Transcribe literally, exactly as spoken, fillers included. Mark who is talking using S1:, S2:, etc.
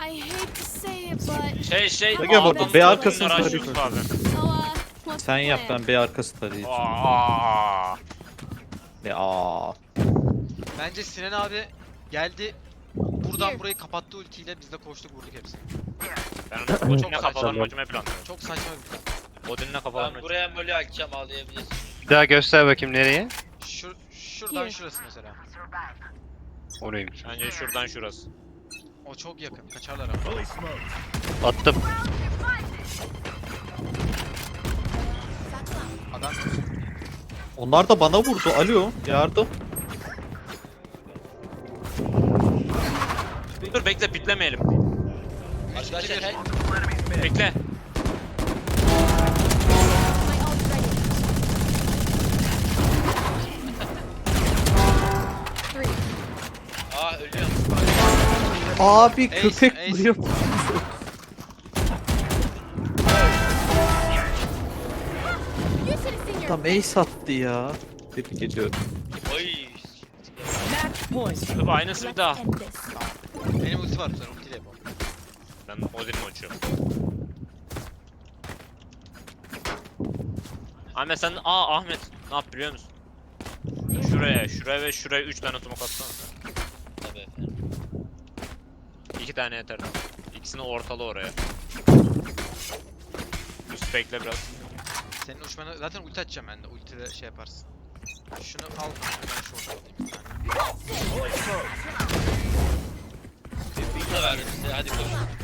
S1: I hate to say it but
S2: Şey şey.
S3: Gel burada,
S2: A'dan
S3: B
S2: sonra
S3: arkasını
S2: bunları
S3: tarayayım.
S2: açıyoruz abi.
S1: so uh what's
S3: Sen
S1: the
S3: yap,
S1: plan?
S3: ben B arkası tarayacağım.
S2: Aa.
S3: Ne aa.
S4: Bence Sinan abi geldi. Buradan
S1: Here.
S4: burayı kapattı ultiyle, biz de koştuk vurduk hepsini.
S2: Ben onu Odin'le
S4: Çok
S2: kafalarını
S4: saçma.
S2: açmayı planlıyorum.
S4: Çok saçma bir plan.
S2: Odin'le kafalarını
S5: Ben buraya molly açacağım, ağlayabilirsin.
S6: Bir daha göster bakayım nereye?
S4: Şur şuradan
S1: Here.
S4: şurası mesela.
S6: Oraymış.
S2: Bence şuradan şurası.
S4: O çok yakın. Kaçarlar ama.
S6: Attım.
S4: Adam
S3: Onlar da bana vurdu. Alo, yardım.
S2: Dur bekle pitlemeyelim.
S5: Arkadaşlar her...
S2: Bekle.
S1: My ult's ready. Three.
S5: Aa ölüyorum.
S3: Abi
S4: Ace,
S3: köpek
S4: ace.
S3: vuruyor.
S1: You should have seen your
S3: Tam ace attı ya. Tebrik ediyorum.
S5: Oy.
S2: Dur aynısı bir
S1: Let's
S2: daha.
S1: end this.
S4: benim ulti var, sen ultiyle yapalım.
S2: Ben Odin'i açıyorum. Ahmet sen aa Ahmet ne yap biliyor musun? Şuraya, şuraya ve şuraya üç tane smoke atsana.
S5: Tabii efendim.
S2: İki tane yeter. İkisini ortala oraya. Üst bekle biraz.
S4: Senin uçmanı zaten ulti açacağım ben de. Ultiyle şey yaparsın. Şunu al kanka, ben şu ortaya alayım bir tane.
S5: Bunu da verdim size, hadi koşun.